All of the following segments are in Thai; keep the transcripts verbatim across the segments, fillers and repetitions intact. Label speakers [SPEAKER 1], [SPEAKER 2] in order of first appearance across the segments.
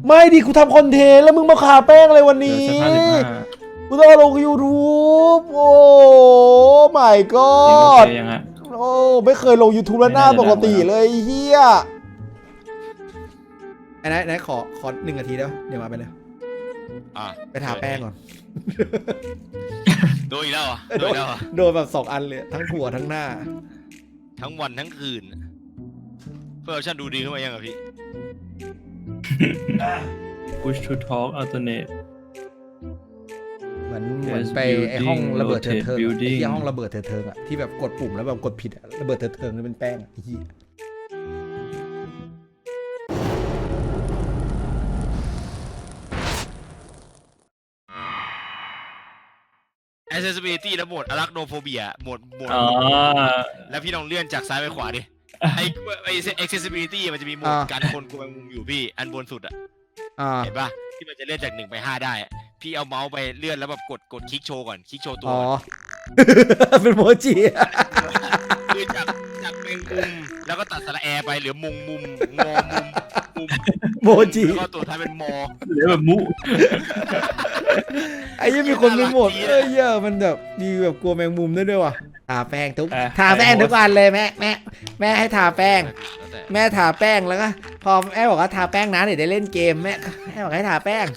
[SPEAKER 1] ไม่ดิกูทำคอนเทนต์แล้วมึงมาขาแป้งอะไรวันนี้กูต้องลงยูทูบโอ้ my god โอ้ไม่เคยลง YouTube แล้วหน้าปกติเลยเฮียไอ้ไหนไหนขอขอหนึ่งนาทีได้ปะเดี๋ยวมาไปเลยไปทาแป้งก่อน
[SPEAKER 2] โดนอีกแล้วอ่ะโดนแล้วอ่ะ
[SPEAKER 1] โดนแบบสองอันเลยทั้งหัวทั้งหน้า
[SPEAKER 2] ทั้งวันทั้งคืนเพื่อฉันดูดีขึ้นมายังอ่ะพี่
[SPEAKER 3] push to talk alternate
[SPEAKER 1] เหมือนเหมือนไปไอห้องระเบิดเถิดเทิงที่ห้องระเบิดเถิดเทิงอะที่แบบกดปุ่มแล้วแบบกดผิดระเบิดเถิดเทิงนี่เป็นแป้งอะที่
[SPEAKER 2] accessibility แล้วโหมด arachnophobia โหมดโหมดแล้วพี่ลองเลื่อนจากซ้ายไปขวาดิไอ้ไอ้ accessibility มันจะมีโหมดการคนกลัวแมงมุมอยู่พี่อันบนสุดอ่ะเห็นปะที่มันจะเลื่อนจากหนึ่งไปห้าได้พี่เอาเมาส์ไปเลื่อนแล้วแบบกดกดคลิกโชว์ก่อนคลิกโชว์ตัว
[SPEAKER 1] อ๋อเป็นโมจิ
[SPEAKER 2] คือจากจากแมงมุมแล้วก็ตัดสระแอไปเหลือมุมมุมงอมุมมุม
[SPEAKER 1] โมจิ
[SPEAKER 2] แล้วก็ตัวท้ายเป็นมอ
[SPEAKER 3] เหลือแบบมุ
[SPEAKER 1] ไอ้ยังมีคนเป็นหมดเอ้ยเยอะมันแบบมีแบบกลัวแมงมุมด้วยด้วยว่ะทาแป้งทุกทาแป้งทุกวันเลยแม่แม่แม่ให้ทาแป้งแม่ทาแป้งแล้วก็พอแม่บอกว่าทาแป้งนะเดี๋ยวได้เล่นเกมแม่แม่บอกให้ทาแป้ง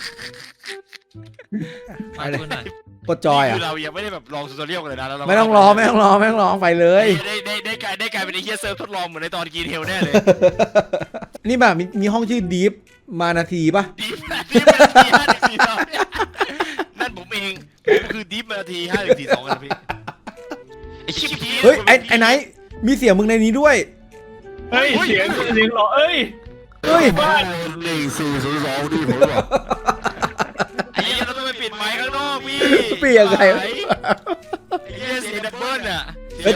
[SPEAKER 1] กดจอยอ่ะ
[SPEAKER 2] เรายังไม่ได้แบบลองทูตอเรียลกันเลยนะ
[SPEAKER 1] ไม่ต้องรอไม่ต้องรอไม่ต้องรอไปเลย
[SPEAKER 2] ได้ได้ได้กลายได้กลายเป็นไอ้เฮียเซิร์ฟทดลองเหมือนในตอนกีเทลแน่เลย
[SPEAKER 1] นี่แบบมีมีห้องชื่อดีฟมานาทีป่ะ
[SPEAKER 2] ดีฟดีฟมานาทีห้าหนึ่งสี่สองนั่นผมเองผมคือดีฟมานาทีห้าหนึ่งสี่สองนะพี่ไอ้ชิปเ
[SPEAKER 1] ฮ้ยไอ้ไอ้ไหนมีเสียงมึงในนี้ด้วย
[SPEAKER 3] เฮ้ยเสียงเสียงหรอเอ้ย
[SPEAKER 1] เฮ้ย
[SPEAKER 2] หนึ่งสี่ศูนย์สองดิผมบอกไอ้เหี้ยเราต้องไปปิดไมค์ข้างนอกพี่
[SPEAKER 1] เปลี่ยนไง
[SPEAKER 2] ไอ้เหี้ยเสียงดับเบิ้ลอ่ะ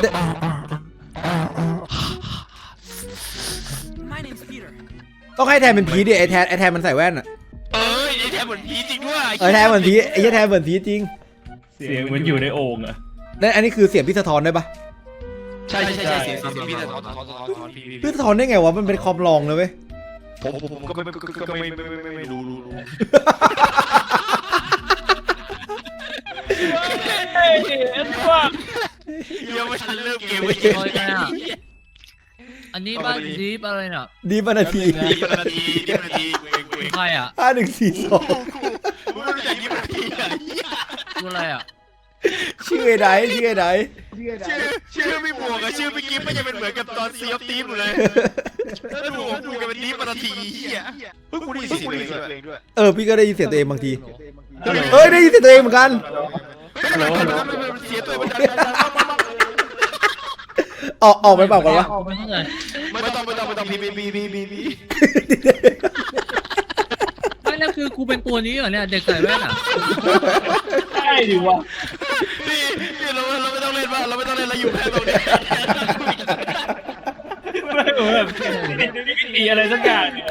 [SPEAKER 1] ต้องให้แทนเป็นผีดิไอแทนไอแทนมันใส่แว่นอ่ะ
[SPEAKER 2] เออไอแทนเหมือนผีจริงด้วย
[SPEAKER 1] ไอแทนเหมือนผีไอแทนเหมือนผีจริง
[SPEAKER 3] เสียงเหมือนอยู่ในโอ่งอ่ะ
[SPEAKER 1] นั่นอันนี้คือเสียงพี่สะท้อนได้ปะ
[SPEAKER 2] ใช่ใช่ใช่เสียงพี่สะท้อนสะท้อนสะท้อนพี่
[SPEAKER 1] พี่สะท้อนได้ไงวะมันเป็นคอมลองเลยเว้ย
[SPEAKER 2] ผมผมก็ไม่ก็ไม่ไม่ไม่ไม่รู้รู้รู้
[SPEAKER 3] เฮ้ยเอ็ดว่า
[SPEAKER 2] ยังไม่ทันเริ่มเกมเลย
[SPEAKER 4] อันนี้บ้านดีฟอะไรเนี่ย
[SPEAKER 1] ดีฟนาที
[SPEAKER 2] ดีฟนาทีดีฟนาที
[SPEAKER 4] ใครอ่ะ
[SPEAKER 1] ห้าหนึ่งสี่สอง
[SPEAKER 2] กูไม่รู้จักดีฟนาทีอ่ะ
[SPEAKER 4] ชื่ออะไรอ่ะ
[SPEAKER 1] ชื่อไอ้ไหนชื่อไอ้ไหน
[SPEAKER 2] ชื่อชื่อไม่บวกกับชื่อเมื่อกี้ไม่จะเป็นเหมือนกับตอนซีออฟทีมเลยแล้วดูของกูจะเป็นดีฟนาทีอ่ะเฮ้ยกูได้ยินเสียงตัวเองด้วย
[SPEAKER 1] เออพี่ก็ได้ยินเสียงตัวเองบางทีเอ้ยได้ยินเสียงตัวเองเหมือนกัน
[SPEAKER 2] เสียตัวมัน
[SPEAKER 1] ออกออกไปเปล่ากันวะ
[SPEAKER 2] ไม่ต้องไม่ต้องไม่ต้องพีพีพีพีพีพี
[SPEAKER 4] ไม่แล้วคือกูเป็นตัวนี้เหรอเนี่ยเด็กใส่แว่นอ่ะ
[SPEAKER 3] ใช่ดิวะ
[SPEAKER 2] พี่พี่เราเราไม่ต้องเล่นบ้างเราไม่ต้องเล่นเราอยู่แค่ตรงนี้
[SPEAKER 3] ไม่แบบเป็นวิธีอะไรสักอย่างเนี่ย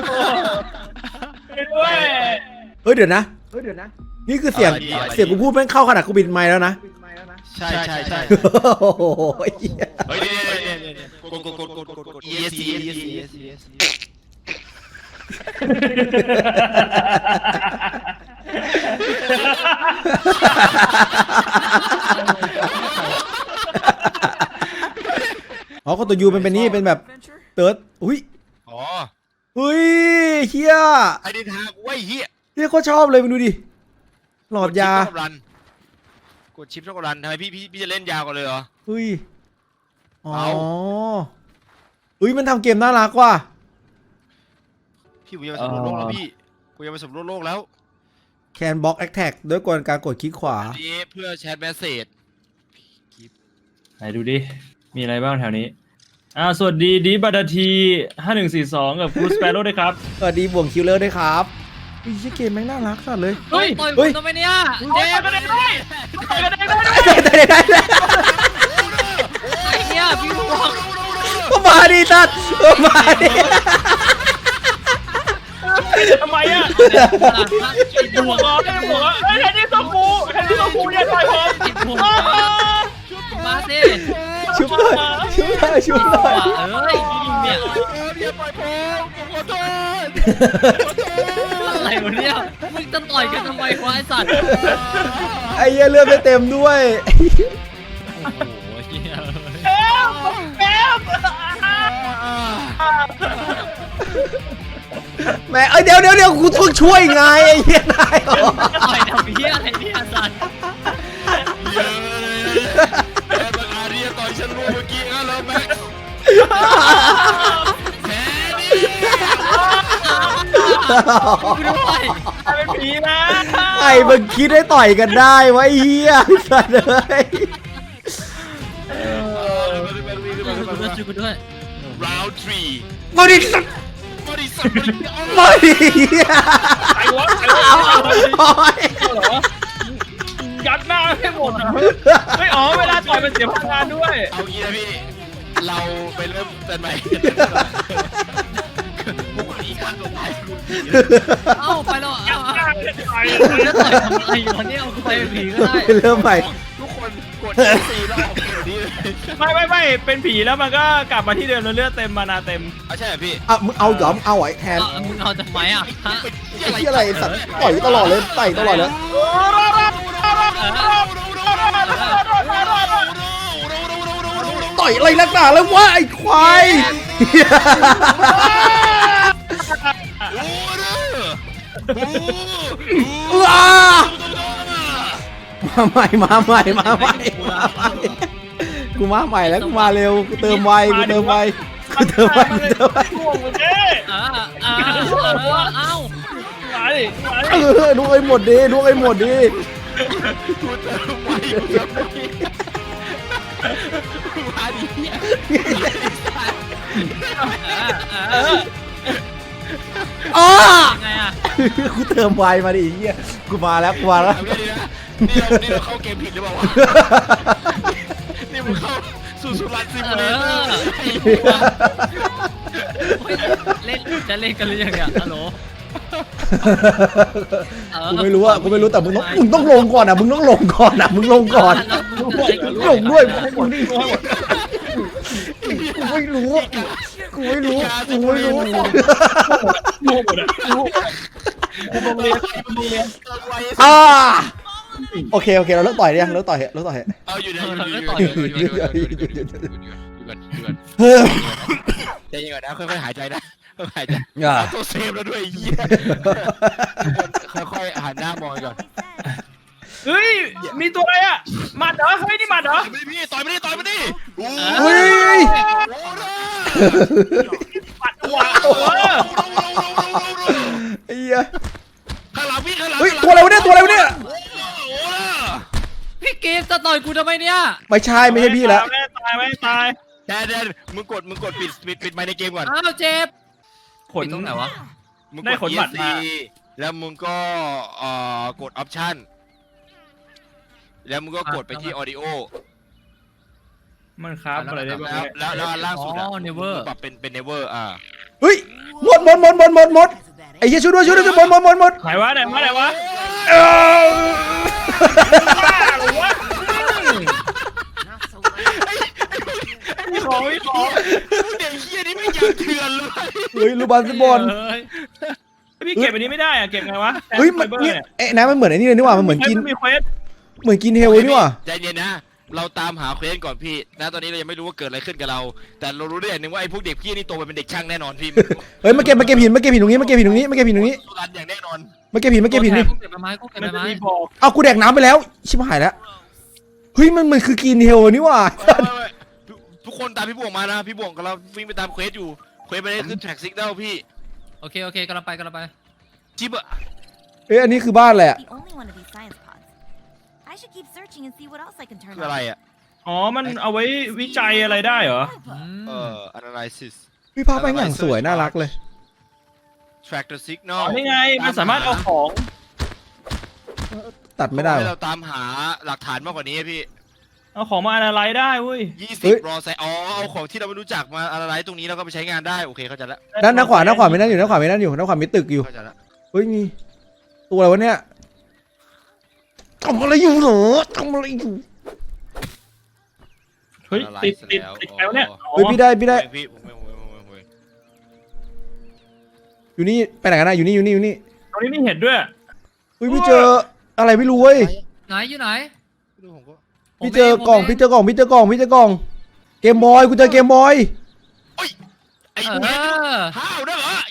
[SPEAKER 3] ด้วย
[SPEAKER 1] เฮ้ยเดี๋ยวนะเฮ้ยเดี๋ยวนะนี่คือเสียงเสียงกูพูดแม่งเข้าขนาดกูบินไมค์แล้วนะ
[SPEAKER 2] ใช่ใช่ใช่
[SPEAKER 1] โอ้โห
[SPEAKER 2] เฮ้ยเนี่ยเนี่ยเนี่ยกดกดกดกดกดกด E S C E S C E S C
[SPEAKER 1] อ๋อก็ตัวยูมันเป็นนี่เป็นแบบเติร์ดอุ้ย
[SPEAKER 2] อ๋อ
[SPEAKER 1] เฮ้ยเฮีย
[SPEAKER 2] ไอเดนทากูไอ้เฮีย
[SPEAKER 1] เฮียก็ชอบเลยมึงดูดิหลอดย
[SPEAKER 2] ากดชิปช็อกโกแลตทำไมพี่พี่พี่จะเล่นยาวกันเลยเหรอ
[SPEAKER 1] เฮ้ยอ๋อเฮ้ยมันทำเกมน่ารักว่ะ
[SPEAKER 2] พี่กูยังไปสำรวจโลกแล้วพี่กูยังไปสำรวจโลกแล้ว
[SPEAKER 1] แคนบล็อกแอคแท็กด้วยกลการกดคลิกขวา
[SPEAKER 2] อันนี้เพื่อแชทแมสเซจ
[SPEAKER 3] ไหนดูดิมีอะไรบ้างแถวนี้อ้าวสวัสดีดีบัตทีห้าหนึ่งสี่สองกับฟูสเปโร่ด้วยครับ
[SPEAKER 1] สวัสดีบ่วงคิลเลอร์ด้วยครับไอ้เกมแม่งน่ารักสัสเลย
[SPEAKER 4] เฮ้ยเฮ้ยทำไมเนี่ยเจ๊
[SPEAKER 3] ไม่ได้ไม่ได้
[SPEAKER 1] ได้ได้ได้
[SPEAKER 4] ไอ้เนี่ยพี่บอก
[SPEAKER 1] ก็มาดิสัสมาดิ
[SPEAKER 3] ทำไมอ่ะหัวร้อนได้หัวเฮ้ยแทนที่ต้องกูแทนที่ต้องกูเนี่ยต่อยผม
[SPEAKER 4] มาสิ
[SPEAKER 1] ชุบเลยชุบเลยชุบเลย
[SPEAKER 4] เอ้ยเนี่ย
[SPEAKER 2] เดี๋ยวปล่อยผมขอโทษ
[SPEAKER 4] วะเนี่ยมึงจะต่อยกันทำไมวะไอ้สัตว์
[SPEAKER 1] ไอ้เหี้ยเลือดไม่เต็มด้วย
[SPEAKER 4] โอ้โหเหี้ย
[SPEAKER 1] แม่เอ้ยเดี๋ยวเดี๋ยวเดี๋ยวกูต้องช่วยไงไอ้เหี้ยนายเหรอ
[SPEAKER 4] ต่อยทำเหี้ยอะไรเนี่ยสัตว์
[SPEAKER 2] เยอะเลยแม่บังอาจที่จะต่อยฉันรู้เมื่อกี้งั้นเหรอแม็กแพ้ดิ
[SPEAKER 4] กูด้วย
[SPEAKER 3] เป็นผีนะ
[SPEAKER 1] ไอ้มึงคิดให้ต่อยกันได้วะไอ้เหี้ยสัตว์เลย
[SPEAKER 4] กูด้วยช่วยกูด้วย
[SPEAKER 2] round three
[SPEAKER 1] มาดิสัตว์
[SPEAKER 2] บริษัทบริษัท
[SPEAKER 1] มาดิเหี้ย
[SPEAKER 3] ไอ้วะไอ้วะ
[SPEAKER 1] โอ๊ย
[SPEAKER 3] เหรอยัดหน้าให้หมดอ่ะไม่อ๋อเวลาต่อยมันเสียพลังงานด้วย
[SPEAKER 2] เอางี้นะพี่เราไปเริ่มกันใหม่บุคลิกการตัวตายคุณผี
[SPEAKER 4] เอ้าไปแล้วเอ้า
[SPEAKER 3] หน้าไม่ได้ต่อย
[SPEAKER 4] กูจะต่อยทำไมวะเนี่ยเอากูไปเป็นผีก็ได้
[SPEAKER 1] เริ่มใหม่
[SPEAKER 2] ทุกคนกดสี่รอบเดี๋ยวนี้เลย
[SPEAKER 3] ไม่ไม่ไม่เป็นผีแล้วมันก็กลับมาที่เดิมแล้วเลือดเต็มมานาเต็ม
[SPEAKER 2] เอาใช่เหรอพี่
[SPEAKER 1] อ่ะมึงเอาหยอมเอาไอ้แทน
[SPEAKER 4] เอามึงเอาทำไมอ่ะฮะ
[SPEAKER 1] ไอ้เหี้ยอะไรสัตว์ต่อยตลอดเลยต่อยตลอดเลยต่อยอะไรนักหนาแล้ววะไอ้ควาย
[SPEAKER 2] โอ้เด้อ
[SPEAKER 1] ว้ามาใหม่มาใหม่มาใหม่มาใหม่กูมาใหม่แล้วกูมาเร็วกูเติมไวกูเติมไวกูเติมไวกูเติมไว
[SPEAKER 3] ช่วงเลย
[SPEAKER 4] อ่าอ่าเอ้า
[SPEAKER 3] มาดิมาดิ
[SPEAKER 1] เออดูไอ้หมดดิดูไอ้หมดดิ
[SPEAKER 2] กูเติมไว้อยู่แล้วพี่มาดิเนี่ย
[SPEAKER 4] อ่าอ่า
[SPEAKER 1] อ๋อ
[SPEAKER 4] ไงอ่ะ
[SPEAKER 1] กูเติมไวมาดิไอ้เหี้ยกูมาแล้วกูมาแล้ว
[SPEAKER 2] เอาแค่นี้นะนี่เรานี่เราเข้าเกมผิดหรือเปล่าวะนี่มึงเข้าสู่สุรัตน์ซิมู
[SPEAKER 4] เอ
[SPEAKER 2] เลเตอ
[SPEAKER 4] อ
[SPEAKER 2] ร์
[SPEAKER 4] เล่นจะเล่นกันหรือยังเนี่ยฮัลโหล
[SPEAKER 1] กูไม่รู้อะกูไม่รู้แต่มึงต้องมึงต้องลงก่อนอะมึงต้องลงก่อนอะมึงลงก่อนลงด้วยมึงนี่กูไม่รู้กูไม่รู้กูไม่รู้
[SPEAKER 3] โง่หมดอ่ะโง่กูโรงเรียนโรงเรียน
[SPEAKER 1] อ่าโอเคโอเคเราเลิกต่อยยังเลิกต่อยเลิกต่อย
[SPEAKER 2] เอาอยู่นะอยู่อยู่อยู่อยู่อยู่อยู่อยู่อยู่ก่อนอยู่ก่อน
[SPEAKER 1] เฮ้ย
[SPEAKER 2] ใจเย็นก่อนนะค่อยๆหายใจนะค่อยๆหายใจ
[SPEAKER 1] อ่า
[SPEAKER 2] ตัวเซฟแล้วด้วยไอ้เหี้ยค่อยๆหันหน้ามองก่อน
[SPEAKER 3] เฮ้ยมีตัวอะไรอ่ะหมัดเหรอเฮ้ยนี่หมัดเหรอ
[SPEAKER 2] ต่อยไม่ได้พี่ต่อยไม่ได้ต่อยไม่ได้โอ้
[SPEAKER 1] เฮ้ย
[SPEAKER 2] โห
[SPEAKER 3] หมัดตัวเออ
[SPEAKER 1] ไอ้เหี้ย
[SPEAKER 2] ข้างหลังพี่ข้างหลัง
[SPEAKER 1] เฮ้ยตัวอะไรวะเนี่ยตัวอะไรวะเนี่ย
[SPEAKER 2] โอ้โห
[SPEAKER 4] พี่เกมจะต่อยกูทำไมเนี่ย
[SPEAKER 1] ไม่ใช่ไม่ใช่พี่แล้ว
[SPEAKER 3] ไม่ตายไม่ตาย
[SPEAKER 2] แดนแดนมึงกดมึงกดปิดปิดปิดไมค์ในเกมก่อน
[SPEAKER 4] อ้าวเจ็บ
[SPEAKER 3] ขน
[SPEAKER 4] ตรงไหนวะ
[SPEAKER 2] มึง
[SPEAKER 3] ได้
[SPEAKER 2] ก
[SPEAKER 3] ข
[SPEAKER 2] ด
[SPEAKER 3] นบัตร
[SPEAKER 2] E S C
[SPEAKER 3] มา
[SPEAKER 2] แล้วมึงก็เอ่อกดออปชั่นแล้วมึงก็กดไปที่ audio
[SPEAKER 3] มันครับอะไรได้บ้าง
[SPEAKER 2] แล้วแล้วแล้วอันล่างสุดอะ
[SPEAKER 4] อ๋อ never
[SPEAKER 2] มึงปรับเป็นเป็น never อ่า
[SPEAKER 1] เฮ้ยหมดหมดหมดหมดหมดหมดไอ้เหี้ยช่วยด้วยช่วยด้วยหมดหมดหมดหมด
[SPEAKER 3] ไหนวะไหนวะไหนวะ
[SPEAKER 1] เออ
[SPEAKER 3] บ้าหรือวะมีของมีของ
[SPEAKER 2] เด็กเฮียนี่ไม่อยากเถื่อนเลย
[SPEAKER 1] เฮ้ยลูกบาสบอล
[SPEAKER 4] เฮ้ย
[SPEAKER 3] พี่เก็บอันนี้ไม่ได้อะเก็บไงวะ
[SPEAKER 1] เฮ้ยมัน
[SPEAKER 3] ไฟเบอร์
[SPEAKER 1] เนี่ย
[SPEAKER 3] เนี่ย
[SPEAKER 1] เอ๊ะนะมันเหมือนไอ้นี่เลยนี่หว่ามันเหมือนกิน
[SPEAKER 3] มีเควส
[SPEAKER 1] เหมือนกินเฮลเลยนี่หว่า
[SPEAKER 2] ใจเย็นนะ เราตามหาเควสก่อนพี่นะตอนนี้เรายังไม่รู้ว่าเกิดอะไรขึ้นกับเรา แต่เรารู้ได้อย่างหนึงว่าไอ้พวกเด็กพี่นี่โตไปเป็นเด็กช่างแน่นอนพี่
[SPEAKER 1] เฮ้ยมาเก็บมาเก็บหินมาเก็บหินตรงนี้มาเก็บหินตรงนี้มาเก็บหินตรงนี้
[SPEAKER 2] สุรันอย่างแน่นอน
[SPEAKER 1] มาเก็บหินมาเก็บหินนี่
[SPEAKER 4] กูเก็บใบไม้กูเก็บ
[SPEAKER 3] มั
[SPEAKER 4] ใบ
[SPEAKER 3] นจะ
[SPEAKER 4] ไม้
[SPEAKER 3] มีบอก
[SPEAKER 1] เอากูแดกน้ำไปแล้วชิบหายแล้วเฮ้ยมันมันคือกินเฮลนี่หว่า
[SPEAKER 2] ไม่ไม่ไม่ทุกคนตามพี่บวงมานะ พี่บวงกับเราวิ่งไปตามเควสอยู่ เควสไปได้ขึ้นแท็กซิกเด้พี่
[SPEAKER 4] โอเคโอเคกำลังไปกำลังไป
[SPEAKER 2] จิ๊บอะ
[SPEAKER 1] เอ้ยอันนี้คือบ้านอะไรอะ
[SPEAKER 5] The only one of these science pods. I should keep searching and see what else I can turn
[SPEAKER 2] คืออะไร
[SPEAKER 5] on.
[SPEAKER 2] อะ
[SPEAKER 3] อ๋อมันเอาไว้วิจัยอะไรได้เหรอ
[SPEAKER 4] อืม
[SPEAKER 2] เอ่อ analysis
[SPEAKER 1] พี่ภาพแม่งอย่างสวยน่ารักเลย
[SPEAKER 2] track the
[SPEAKER 3] อ๋
[SPEAKER 2] signal
[SPEAKER 3] อนี่ไงมันสามารถเอาของ
[SPEAKER 1] ตัดไม่ได้
[SPEAKER 2] ให้
[SPEAKER 1] วะ
[SPEAKER 2] เราตามหาหลักฐานมากกว่านี้พี่
[SPEAKER 3] เอาของมาอะไรได้เว้ย
[SPEAKER 2] ยี่
[SPEAKER 1] เฮ้
[SPEAKER 2] สิบ
[SPEAKER 1] ย
[SPEAKER 2] รอใส่อ๋อเอาของที่เราไม่รู้จักมาอะไรตรงนี้แล้วก็ไปใช้งานได้โอเคเข้าใจแล้ว
[SPEAKER 1] ด้านด้านขวาด้านขวาไม่นั่นอยู่ด้านขวาไม่นั่นอยู่ด้านขวามีตึกอยู่
[SPEAKER 2] เข้าใจแล้ว
[SPEAKER 1] เฮ้ยมีตัวอะไรวะเนี่ยทำอะไรอยู่เหรอทำอะไรอยู่
[SPEAKER 3] เฮ้ยติดติดติดแล้วเนี่ยอ๋อ
[SPEAKER 1] เฮ้ยพี่ได้พี่ได้
[SPEAKER 2] ผมเองพี่ผมเองผมเองผมเองผมเอง
[SPEAKER 1] อยู่นี่ไปไหนกันนะอยู่นี่อยู่นี่อยู่นี่
[SPEAKER 3] ตรงนี้มีเห็ดด้วย
[SPEAKER 1] อุ้ยพี่เจออะไรไม่รู้เว้ย
[SPEAKER 4] ไหนอยู่ไหน
[SPEAKER 2] ดูผมก็
[SPEAKER 1] พี่เจอกล่องพี่เจอกล่องพี่เจอกล่องพี่เจอกล่องเกมบอยกูเจอเกมบอย
[SPEAKER 2] ไอ้
[SPEAKER 4] เอ
[SPEAKER 2] เหี้ย
[SPEAKER 4] อ
[SPEAKER 2] ห้าวด้วยเหรอ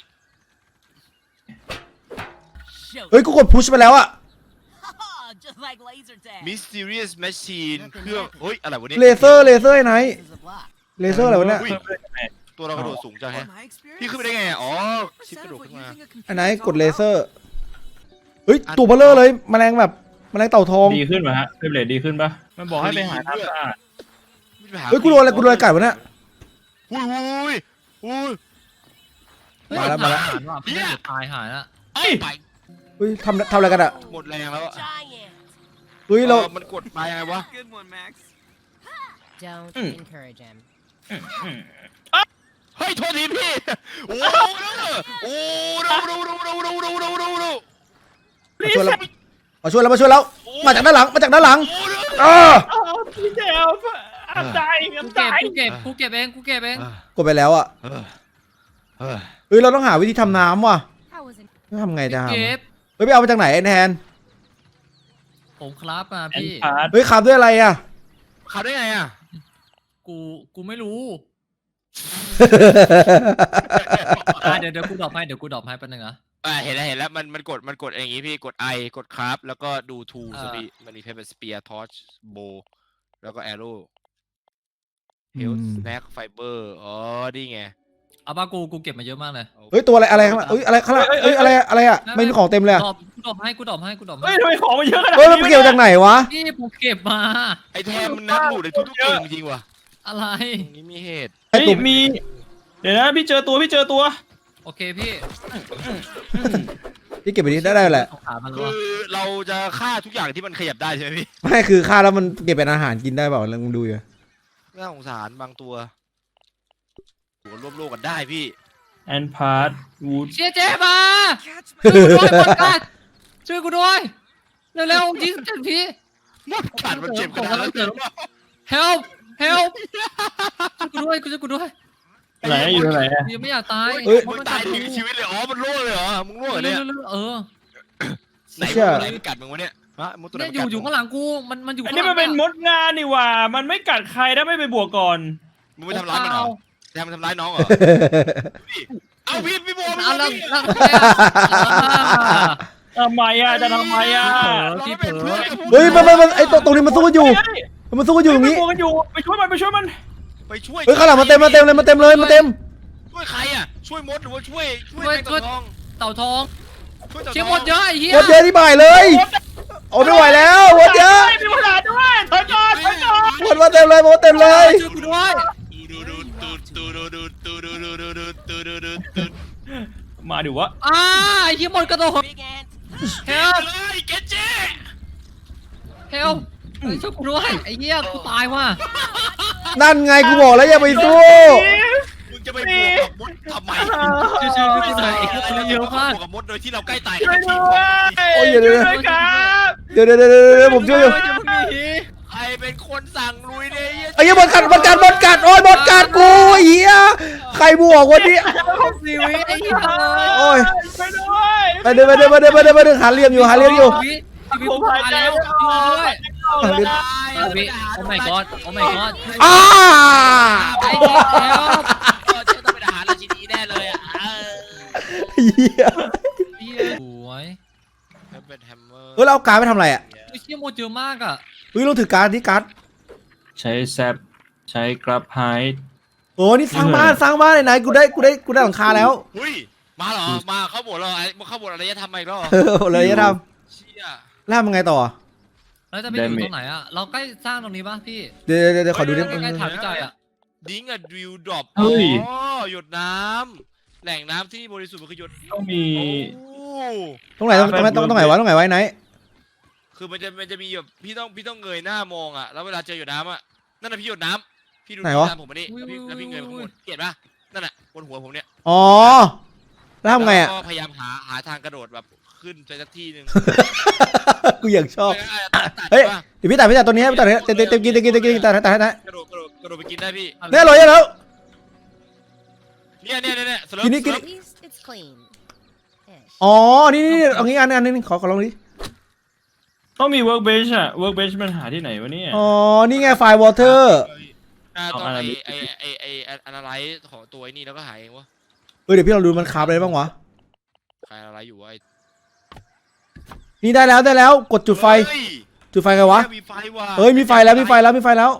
[SPEAKER 1] เฮ้ยกูกดพุชไปแล้วอะ
[SPEAKER 5] Just like laser tag.
[SPEAKER 2] Mysterious Machine เครื่องเฮ้ยอะไรวะเนี่ย
[SPEAKER 1] เลเซอร์เลเซอร์ไอ้ไหนเลเซอร์อะไรวะเนี่ย
[SPEAKER 2] อุ้ยตัวเรากระโดดสูงจังแฮะพี่ขึ้นไปได้ไงอ่ะอ๋อชิปกระโดดขึ้นมา
[SPEAKER 1] ไอ้ไหนกดเลเซอร์เฮ้ยตัวเบลเลอร์เลยแมลงแบบแมลงเต่าทอง
[SPEAKER 3] ดีขึ้นป่ะฮะเฟรมเรทดีขึ้นป่ะมันบอกให้ไปหาน้ำสะอาด
[SPEAKER 1] เฮ้ยกูโดนอะไรกูโดนอะไรกัดวะเนี่ย
[SPEAKER 2] อุ้ยอุ้ยอุ้ย
[SPEAKER 4] เฮ้ย
[SPEAKER 1] มาแล้วมาแล้ว
[SPEAKER 4] หารว่ะพี่เดี๋ยวตายหายละ
[SPEAKER 2] ไอ้ไป
[SPEAKER 1] เฮ้ยทำทำอะไรกันอะ
[SPEAKER 2] หมดแรงแล้วอะ
[SPEAKER 5] Giant.
[SPEAKER 1] เฮ้ยเรา
[SPEAKER 2] ออมันกดไปไงวะ
[SPEAKER 6] Don't encourage him.
[SPEAKER 2] เฮ้ยโทษทีพี่โอ้โหโอ้ดูดูดูดูดูดูดูดูดู
[SPEAKER 1] มาช่วยแล้วมาช่วยแล้วมาช่วยแล้วมาจากด้านหลังมาจากด้านหลัง
[SPEAKER 2] โอ้ดู
[SPEAKER 1] เออ
[SPEAKER 3] พี่เจลอับใจ
[SPEAKER 4] กู
[SPEAKER 3] อับ
[SPEAKER 4] เก็
[SPEAKER 3] ใจ
[SPEAKER 4] บกูเก็บกูเก็บเองกูเก็บเอง
[SPEAKER 1] กดไปแล้วอะ
[SPEAKER 2] เออเออ
[SPEAKER 1] เฮ้ยเราต้องหาวิธีทำน้ำว่ะ
[SPEAKER 5] I wasn't.
[SPEAKER 1] ทำไงจะ
[SPEAKER 4] เก็บ
[SPEAKER 1] ทำเฮ้ยไปเอามาจากไหนไอ้แทน
[SPEAKER 4] ผมครับมา
[SPEAKER 3] แอน
[SPEAKER 4] พี่
[SPEAKER 3] พาร์ท
[SPEAKER 1] เฮ้ยขับด้วยอะไรอะ
[SPEAKER 2] ขับได้ไงอ่ะ
[SPEAKER 4] กูกูไม่รู้อ่ะเดี๋ยวเดี๋ยวกูดรอปให้เดี๋ยวกูดรอปให้แป๊บนึงนะ
[SPEAKER 2] อ่าเห็นแล้วเห็นแล้วมันมันกดมันกดอย่างงี้พี่กด I กดคราฟแล้วก็ดู ทูส
[SPEAKER 4] อ่า
[SPEAKER 2] พี่มันมีเพเป็นสเปียร์ทอร์ชโบแล้วก็แอโร่เฮลสแน็คไฟเบอร์อ๋อนี่ไง
[SPEAKER 4] เอาป่ะกูกูเก็บมาเยอะมากเลย
[SPEAKER 1] เฮ้ยตัวอะไรอะไรข้างหลังเฮ้ยอะไรข้างหลังเฮ้ยอะไรอะไรอะไม่มีของเต็มเลยอะ
[SPEAKER 4] ดรอปกูดรอปให้กูดรอปให้กูดรอป
[SPEAKER 3] เฮ้
[SPEAKER 4] ให้
[SPEAKER 3] ยทำไมของมันเยอะขนาด
[SPEAKER 1] เฮ้ย
[SPEAKER 3] นี้
[SPEAKER 1] มันเกี่ยวจากไหนวะ
[SPEAKER 4] พี่ผมเก็บมา
[SPEAKER 2] ไอแทมมันนักหลุดในทุกๆเกมจริงว่ะ
[SPEAKER 4] อะไร
[SPEAKER 2] ตรงนี้มีเหตุ
[SPEAKER 1] ไอ้
[SPEAKER 3] เฮ้ย
[SPEAKER 1] ตัว
[SPEAKER 3] มี เดี๋ยวนะพี่เจอตัวพี่เจอตัว
[SPEAKER 4] โอเคพี่
[SPEAKER 1] ที่เก็บไปนี้ได้ได้แหละ
[SPEAKER 4] สงสารมัน
[SPEAKER 2] คื
[SPEAKER 4] วะ
[SPEAKER 2] อเราจะฆ่าทุกอย่างที่มันขยับได้ใช่ไหมพี่
[SPEAKER 1] ไม่คือค่าแล้วมันเก็บเป็นอาหารกินได้เปล่าลองดูอยู่
[SPEAKER 2] น่าสงสารบางตัวหัวร่วมโลกกันได้พี่
[SPEAKER 3] แอนพาร์ทวูด
[SPEAKER 4] เชียเจมาช่วยกูด้วยบอลกันช่วยกูด้วยเร็วๆยิงเต็มที่
[SPEAKER 2] มดกัดมันเจ็บขนาดนั้นเลยเหรอ
[SPEAKER 4] help help ช่วยกูด้วยกูช่วยกูด้วย
[SPEAKER 3] ไหนอยู่ไหนอะ
[SPEAKER 4] กูยังไม่อยากตาย
[SPEAKER 1] เฮ้ย
[SPEAKER 2] มึงตายถึงชีวิตเลยอ๋อมันโล่เลยเหรอมึงโล่เหรอ
[SPEAKER 4] เร็
[SPEAKER 2] เนี่ยว
[SPEAKER 4] ๆๆเออ
[SPEAKER 2] ไหนมึงอะไรมันกัดมึงวะเนี่ยฮะมดตัวไหน
[SPEAKER 4] เนี่ย
[SPEAKER 2] มัน
[SPEAKER 4] อยู่
[SPEAKER 2] กัด
[SPEAKER 4] อยู่ข้างหลังกูมันมันอยู่
[SPEAKER 3] อัน
[SPEAKER 4] ข้าง
[SPEAKER 3] นี้
[SPEAKER 4] หลั
[SPEAKER 3] มันเป็นมดงานนี่หว่า มันไม่กัดใครถ้าไม่ไปบวกก่อน
[SPEAKER 2] มึงไปทำร้ายมันเหรอแทมมันทำร้ายน้องเหรอพี่เอาพี่พี่โบ
[SPEAKER 4] เอาแล้ว
[SPEAKER 2] พี่
[SPEAKER 4] แล้วทำไมอ่ะอ่า
[SPEAKER 3] ทำไมอะจะทำไมอะ
[SPEAKER 2] เราไม่เป็นเพื่อนกับ
[SPEAKER 1] เฮ้ยมันมันมันไอ้ตรงตรงนี้มันสู้กันอยู่ มันสู้กันอยู่ตรง
[SPEAKER 3] ไป
[SPEAKER 1] นี้
[SPEAKER 3] บวกกันอยู่ไปช่วยมันไปช่วยมัน
[SPEAKER 2] ไปช่วย
[SPEAKER 1] เฮ้ยข้างหลังมาเต็มมาเต็มเลยมาเต็มเลยมาเต็ม
[SPEAKER 2] ช่วยใครอ่ะช่วยมดหรือว่าช่วยช่วยแมงกะทอง
[SPEAKER 4] เต่าทอง
[SPEAKER 2] ช่วยเต่าทอง
[SPEAKER 4] เชี่ยหมดเยอะไอ้เหี้ย
[SPEAKER 1] หมดเยอะที่บ่ายเลยโอ้ไม่ไหวแล้วหมดเยอะ
[SPEAKER 3] มีปัญหาด้วยถอยก่อนถอยก่อน
[SPEAKER 1] หมดมาเต็มเลยหมดเต็มเลย
[SPEAKER 4] ช่วยกูด้วย
[SPEAKER 2] ตูดูดูตูดูดูตูดูดูตูดูดูตู
[SPEAKER 3] มาดิวะ
[SPEAKER 4] อ่าไอ้เหี้ยหมดกระโดด
[SPEAKER 5] Big ant.
[SPEAKER 4] help
[SPEAKER 2] เลยเกจเจ
[SPEAKER 4] help เฮ้ยช่วยกูด้วยไอ้เหี้ยกูตายว่ะ
[SPEAKER 1] นั่นไงกูบอกแล้วอย่าไปสู้
[SPEAKER 2] มึงจะไปบวกกับมดทำไม
[SPEAKER 4] ช่วยช่วยช่วยกูหน่อยไอ้เหี้ยมันเยอะมาก
[SPEAKER 2] บวกกับมดโดยที่เราใกล้ตาย
[SPEAKER 3] ช่วยด้วย
[SPEAKER 1] โอ้ยเดี๋ยวเดี๋ยว
[SPEAKER 3] ช่วยครับ
[SPEAKER 1] เดี๋ยวเดี๋ยวเดี๋ยวเดี๋ยวผมช่วยอยู่
[SPEAKER 2] ใครเป็นคนสั่งลุยเนี่ย
[SPEAKER 1] ไอ้เหี้ยบอลกัดบอลกัดบอลกัดโอ้ยบอลกัดกูไอ้เหี้ยใครบวกวันนี้
[SPEAKER 4] ชีวิตไอ้เหี้ย
[SPEAKER 1] โอ้ย
[SPEAKER 3] ช่วยด้วย
[SPEAKER 1] ไปเดินไปเดินไปเดินไปเดินไปเดินหาเหลี่ยมอยู่หาเหลี่ยมอยู่
[SPEAKER 4] ชีวิตชีวิตกูตายแล้วช่วยด้วย
[SPEAKER 1] หาเหลี่ยม
[SPEAKER 4] ชีวิตโอ้ my god โอ้ my god
[SPEAKER 1] อ้า
[SPEAKER 4] ไอ้เหี้ยแล้ว
[SPEAKER 2] เชื่อต้องเป็นอาหารราชินีแน่เลยอ่ะ
[SPEAKER 1] เหี้ย
[SPEAKER 4] เหี้ยสวย
[SPEAKER 2] เป็นแฮมเมอร์
[SPEAKER 1] เฮ้ยเราเอาการดไปทำอะไรอ่ะ
[SPEAKER 4] ไอ้เชี่ยหมดเยอะมากอ่ะ
[SPEAKER 1] เฮ้ยเราถือการดที่การด
[SPEAKER 3] ใช้แซปใช้กราฟไฮด์
[SPEAKER 1] โอ้นี่สร้างบ้านสร้างบ้านไหนๆกูได้กูได้กูได้หลังคาแล้ว
[SPEAKER 2] หุ้ยมาเหรอมาเข้าบทเหรอไอ้เข้าบทอะไรจะทำอีกแล้วเหรอ
[SPEAKER 1] เออเลยจะท
[SPEAKER 2] เชี่ย
[SPEAKER 1] ำแล้วทำยังไงต่อ
[SPEAKER 4] แล้วจะไปอยู่ตรงไหนอ่ะเราใกล้สร้างตรงนี้ป่ะพี่
[SPEAKER 1] เดี๋ยวเดี๋ยวเดี๋ยวขอดูดิ
[SPEAKER 4] ใกล้ๆถามพี่จ่ายอ่ะ
[SPEAKER 2] ดิ้งอะดิวดรอปอ๋อหยดน้ำแหล่งน้ำที่บริสุทธิ์มันคือหยด
[SPEAKER 3] ต้องมี
[SPEAKER 2] โอ้
[SPEAKER 1] ตรงไหนตรงตรงไหนตรงตรงไหนวะตรงไหนไว้ไหน
[SPEAKER 2] คือมันจะมันจะมีแบบพี่ต้องพี่ต้องเงยหน้ามองอ่ะแล้วเวลาเจอหยดน้ำอ่ะนั่นน่ะพี่หยดน้ำพี่ดูน้ำผมมานี่แล้วพี่แล้วพี่เงยมาข้างบนเกลียดปะนั่นน่ะบนหัวผมเนี่ย
[SPEAKER 1] อ๋อแล้วทำไงอ่ะ
[SPEAKER 2] แล้วก็พยายามหาหาทางกระโดดแบบขึ้นไปสักที่หนึ่ง
[SPEAKER 1] กูอยากชอบ
[SPEAKER 2] ตัดตัด
[SPEAKER 1] เฮ้ย
[SPEAKER 2] ปะ
[SPEAKER 1] เดี๋ยวพี่ตัดพี่ตัดตัวนี้พี่ตัดเต็มเต็มเต็มกินเต็มกินเต็มกินตัดตัดตัดตัด
[SPEAKER 2] กระโดดกระโดดกระโดดไปกินได้พี่
[SPEAKER 1] เนี่ยลอยแล้ว
[SPEAKER 2] เนี่ยเนี่ยเนี่ยเนี่ยสเลิฟ
[SPEAKER 1] กินนี่กิน
[SPEAKER 2] ส
[SPEAKER 1] นี่
[SPEAKER 2] เลิฟ
[SPEAKER 6] At least it's clean. Ish.
[SPEAKER 1] อ๋อนี่นี่เอางี้อันอันนึงขอขอลองดิ
[SPEAKER 3] ต้องมี workbench อะ workbench มันหาที่ไหนวะเนี่ย
[SPEAKER 1] อ๋อนี่ไงไฟล์วอเตอร์
[SPEAKER 2] อ่าตอน
[SPEAKER 3] เอาอะไร
[SPEAKER 2] ไอไอไอไออนาไลซ์ของตัวไอ้นี่แล้วก็หายเองวะ
[SPEAKER 1] เออเดี๋ยวพี่เราดูมันคราฟอะไรบ้างวะ
[SPEAKER 2] ใครอะไรอยู่วะไอ้
[SPEAKER 1] นี่ได้แล้วได้แล้วกดจุดไฟ
[SPEAKER 2] เฮ้ย
[SPEAKER 1] จุดไฟไงวะ
[SPEAKER 2] มีไฟว่ะ
[SPEAKER 1] เฮ้ยมีไฟแล้วมีไฟแล้วมีไฟแล้ว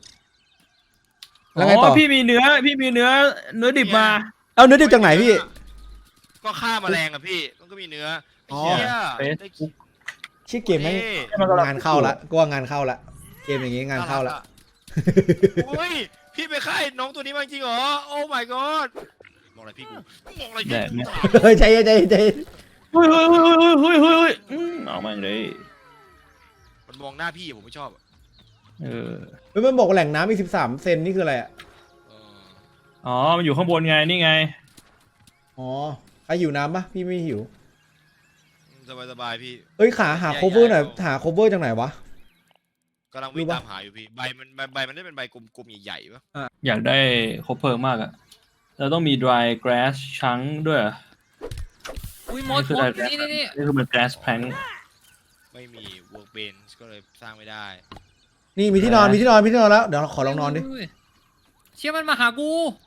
[SPEAKER 1] แล้วไงต่อ
[SPEAKER 3] พี่มีเนื้อพี่มีเนื้อเนื้อดิบมา
[SPEAKER 1] เอาเนื้อดิบจากไหนพี่
[SPEAKER 2] ก็ฆ่าแมลงอะพี่มันก็มีเนื้อ
[SPEAKER 1] อ๋อ
[SPEAKER 2] เหี้ย
[SPEAKER 3] เฟซ
[SPEAKER 2] ได้
[SPEAKER 1] ชื่อเกมไหม
[SPEAKER 2] ท่
[SPEAKER 1] งานเข้าละก็ว่างานเข้าละเกมอย่างงี้งานเข้าละ
[SPEAKER 2] โอ้ยพี่ไปฆ่าไอ้น้องตัวนี้มาจริงเหรอโอ้ my god มองอะไรพี่กูมองอะไรพี่กูถาม
[SPEAKER 1] เฮ้ยใจเย็นใจเย็นใจเย็น
[SPEAKER 3] เฮ้ยเฮ้ยเฮ้ยเฮ้ยเฮ้ยเฮ้ยอืมเอามาเลย
[SPEAKER 2] มันมองหน้าพี่ผมไม่ชอบอะ
[SPEAKER 3] เออ
[SPEAKER 1] เฮ้ยมันบอกว่าแหล่งน้ำมีสิบสามเซนนี่คืออะไรอ่ะ
[SPEAKER 2] เออ
[SPEAKER 3] อ๋อมันอยู่ข้างบนไงนี่ไง
[SPEAKER 1] อ๋อใครหิวน้ำปะพี่ไม่หิว
[SPEAKER 2] สบายสบายๆพี่
[SPEAKER 1] เอ้ยขาหา cover หน่อยหา cover จากไหนวะ
[SPEAKER 2] กำลังวิ่ง
[SPEAKER 1] รู้ปะ
[SPEAKER 2] ตามหาอยู่พี่ใบมันใบใบมันได้เป็นใบกลมๆใหญ่ๆปะ
[SPEAKER 3] อยากได้คบเพลิงมากอะเราต้องมี dry grass ชังด้วยเหรอ
[SPEAKER 4] อุ้ยมดมดนี่นี่นี่
[SPEAKER 3] นี่คือมัน grass plank
[SPEAKER 2] ไม่มี workbench ก็เลยสร้างไม่ได้
[SPEAKER 1] นี่มีที่นอนมีที่นอนมีที่นอนแล้วเดี๋ยวขอลองนอนดิ
[SPEAKER 4] เชี่ยมันมาหากู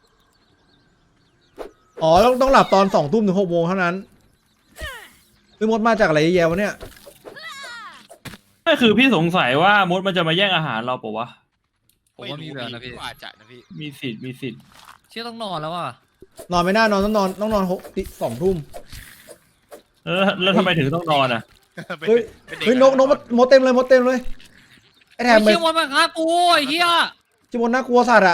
[SPEAKER 1] อ๋อต้องต้องหลับตอนสองทุ่มถึงหกโมงเท่านั้นไม่มดมาจากอะไรเยอะแยะวะเนี่ย
[SPEAKER 3] ก็คือพี่สงสัยว่ามดมันจะมาแย่งอาหารเราปะวะ
[SPEAKER 4] ผมว่ามีแบบนะพี่
[SPEAKER 2] ก็อาจจะนะพี่
[SPEAKER 3] มีสิทธิ์มีสิทธิ์
[SPEAKER 4] เชี่ยต้องนอนแล้วอ่ะ
[SPEAKER 1] นอนไม่ได้นอนต้องนอนต้องนอนหกสองทุ่ม
[SPEAKER 3] แล้วแล้วทำไมถึงต้องนอนอะ
[SPEAKER 1] เฮ้ย
[SPEAKER 2] ป็ด็
[SPEAKER 1] เฮ้ยนกนกมดเต็มเลยมดเต็มเลยไอ้แถ
[SPEAKER 4] ไอ้
[SPEAKER 1] มไป
[SPEAKER 4] เชี่ยมดมาหากูไอ้เหี้ย
[SPEAKER 1] จิมดน่ากลัวสัตว์อะ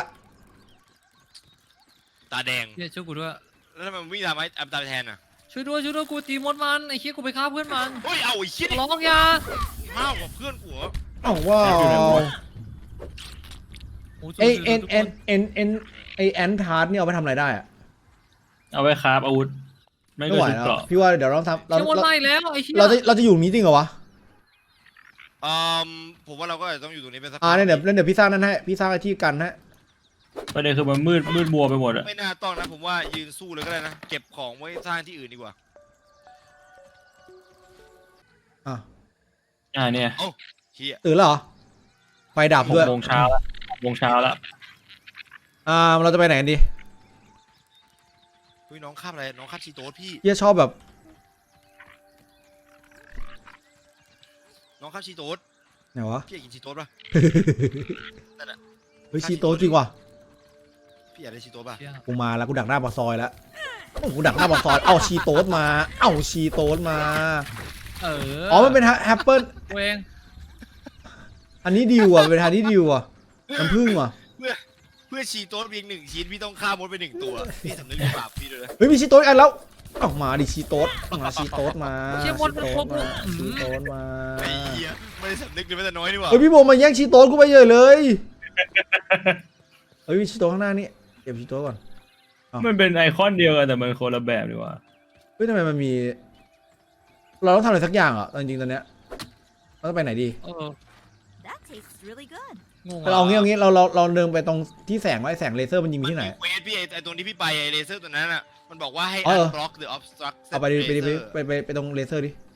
[SPEAKER 2] ตาแดง
[SPEAKER 4] เชี่ยช่วยกูด้วย
[SPEAKER 2] แล้วทำไมมันวิ่งตามไอ้อัมตามแทนอ่ะ
[SPEAKER 4] ช่วยด้วยช่วยด้วยกูตีมดมันไอ้เชี่ยกูไปฆ่าเพื่อนมัน
[SPEAKER 2] เฮ้ยเอาไอ้เชี่ย
[SPEAKER 4] ขอ
[SPEAKER 2] นี่
[SPEAKER 4] ร้องอยา
[SPEAKER 2] มากกว่าเพื่อนกูเหรอ
[SPEAKER 1] อ้าวว้าว
[SPEAKER 4] โอ้ย
[SPEAKER 1] ไอเอ็นเอ็นเอ็นเอ็นไอแอนทาร์ดนี่เอาไปทำอะไรได้อะ
[SPEAKER 3] เอาไว้คราฟอาวุธ ไม่
[SPEAKER 1] ไม่
[SPEAKER 3] ก็
[SPEAKER 1] ไหว
[SPEAKER 3] ชุด
[SPEAKER 1] แล้ว
[SPEAKER 3] เกราะ
[SPEAKER 1] พี่ว่าเดี๋ยวเราทำเรา
[SPEAKER 4] เชี่ยมด
[SPEAKER 1] เรา
[SPEAKER 4] ไล่แล้วไอ้เชี่ย
[SPEAKER 1] เราจะเราจะอยู่นี้จริงเหรอวะ
[SPEAKER 2] อืมผมว่าเราก็อาจจะต้องอยู่ตรงนี้เป็นสัก
[SPEAKER 1] อ่าเนี่ยเดี๋ยวเดี๋ยวพี่สร้างนั่นให้พี่สร้างไอที่กันฮะ
[SPEAKER 3] ประเด็นคือมันมืดมืดมัวไปหมดอะ
[SPEAKER 2] ไม่น่าต้องนะผมว่ายืนสู้เลยก็ได้นะเก็บของไว้สร้างที่อื่นดีกว่า
[SPEAKER 1] อ่ะ
[SPEAKER 3] อ่าเนี่ย
[SPEAKER 2] เฮีย
[SPEAKER 1] ตื่นแล้วเหรอไฟดับ
[SPEAKER 3] ห
[SPEAKER 1] ด้วย
[SPEAKER 3] กโมงเช้าละหกโมงเช้าละ
[SPEAKER 1] อ่าเราจะไปไหนกันดี
[SPEAKER 2] เฮ้ยน้องคาบอะไรน้องคาบชีโต๊ดพี่
[SPEAKER 1] เฮียชอบแบบ
[SPEAKER 2] น้องคาบชีโต๊ด
[SPEAKER 1] ไหนวะ
[SPEAKER 2] พี่อยากกินชีโต๊ดป่ะ
[SPEAKER 1] เฮ้ยชีโต้จริงว่ะ
[SPEAKER 2] พี่อยากได้ชีโต๊ดป่ะ
[SPEAKER 4] เชี่ย
[SPEAKER 1] กูมาแล้วกูดักหน้าปากซอยแล้วโอ้กูดักหน้าปากซอยเอาชีโต้มาเอาชีโต้มา
[SPEAKER 4] เออ
[SPEAKER 1] อ๋อมันเป็นแอปเปิล
[SPEAKER 4] กูเอง
[SPEAKER 1] อันนี้ดิวอ่ะเป็นทางที่ดิวอ่ะน้ำผึ้งว่ะ
[SPEAKER 2] เพื่อเพื่อชีโต๊ดเพียงหนึ่งชิ้นพี่ต้องฆ่ามดไปหนึ่งตัวพี่สำนึกในบาปพี่ด้วยนะ
[SPEAKER 1] เฮ้ยมีชีโต้อีกอันแล้วออกมาดิชีโต้มาชีโต้มา
[SPEAKER 4] เชี่ยมดมันครบ
[SPEAKER 1] มา
[SPEAKER 4] อื
[SPEAKER 1] ชี
[SPEAKER 4] ม
[SPEAKER 1] โต้มา
[SPEAKER 2] ไอ้เหี้ยไม่ได้สำนึกเลยแม้แต่น้อยนี่หว่า
[SPEAKER 1] เฮ้ยพี่โบมาแย่งชีโต้กูไปเยอะเลยเฮ้ยมีชีโต้ข้างหน้านี่เก็บชีโต้ก่อน
[SPEAKER 3] มันเป็นไอคอนเดียวกันแต่มันคนละแบบดีกว่า
[SPEAKER 1] เฮ้ยทำไมมันมี เราต้องทำอะไรสักอย่างอ่ะจริงๆตอนเนี้ยเราต้องไปไหนดี
[SPEAKER 4] เออ
[SPEAKER 5] That tastes really good.
[SPEAKER 4] งง
[SPEAKER 1] เราเอางี้เอางี้เราเราเราเดินไปตรงที่แสงว่าไอ้แสงเลเซอร์มันยิงมีที่ไหน
[SPEAKER 2] เวทพี่ไอ้ไอ้ตรงที่พี่ไปไอ้เลเซอร์ตัวนั้นอ่ะมันบอกว่าให้
[SPEAKER 1] อ๋อเหรอ
[SPEAKER 2] unblock the obstruct
[SPEAKER 1] เอาไปดิไปดิไปดิไปไปไปตรงเลเซอร์ดิ